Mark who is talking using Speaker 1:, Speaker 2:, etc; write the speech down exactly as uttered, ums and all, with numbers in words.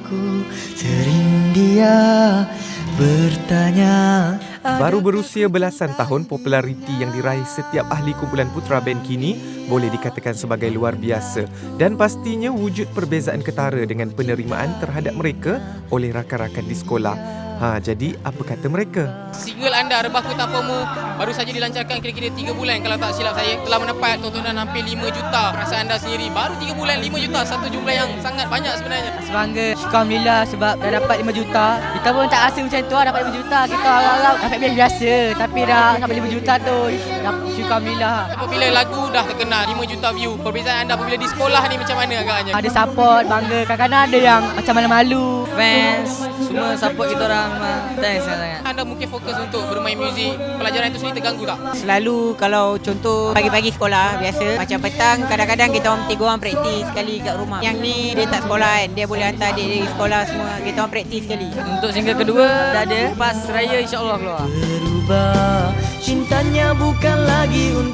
Speaker 1: aku. Sering dia bertanya.
Speaker 2: Baru berusia belasan tahun, populariti yang diraih setiap ahli kumpulan Putra Band kini boleh dikatakan sebagai luar biasa dan pastinya wujud perbezaan ketara dengan penerimaan terhadap mereka oleh rakan-rakan di sekolah. Ha, jadi apa kata mereka?
Speaker 3: Single anda Rebahku Tanpamu baru saja dilancarkan kira-kira tiga bulan kalau tak silap saya. Telah mendapat tontonan hampir lima juta. Perasaan anda sendiri baru tiga bulan lima juta, satu jumlah yang sangat banyak sebenarnya.
Speaker 4: Bangga, Alhamdulillah sebab dah dapat lima juta. Kita pun tak rasa macam tu, dapat lima juta. Kita harap-harap dapat biasa, tapi dah sampai lima juta tu. Alhamdulillah.
Speaker 3: Apabila lagu dah terkenal lima juta view, perbezaan anda apabila di sekolah ni macam mana agaknya?
Speaker 4: Ada support, bangga. Kadang-kadang ada yang macam malu-malu.
Speaker 5: Fans semua support kita orang. Thanks sangat.
Speaker 3: Anda mungkin fokus untuk bermain muzik, pelajaran itu sendiri terganggu tak?
Speaker 5: Selalu kalau contoh pagi-pagi sekolah biasa, macam petang kadang-kadang kita orang tiga orang praktis sekali kat rumah. Yang ni dia tak sekolah kan, dia boleh hantar adik dia sekolah semua, kita orang praktis sekali. Untuk single kedua dah ada, pas raya insya-Allah keluar.
Speaker 1: Berubah, cintanya bukan lagi untuk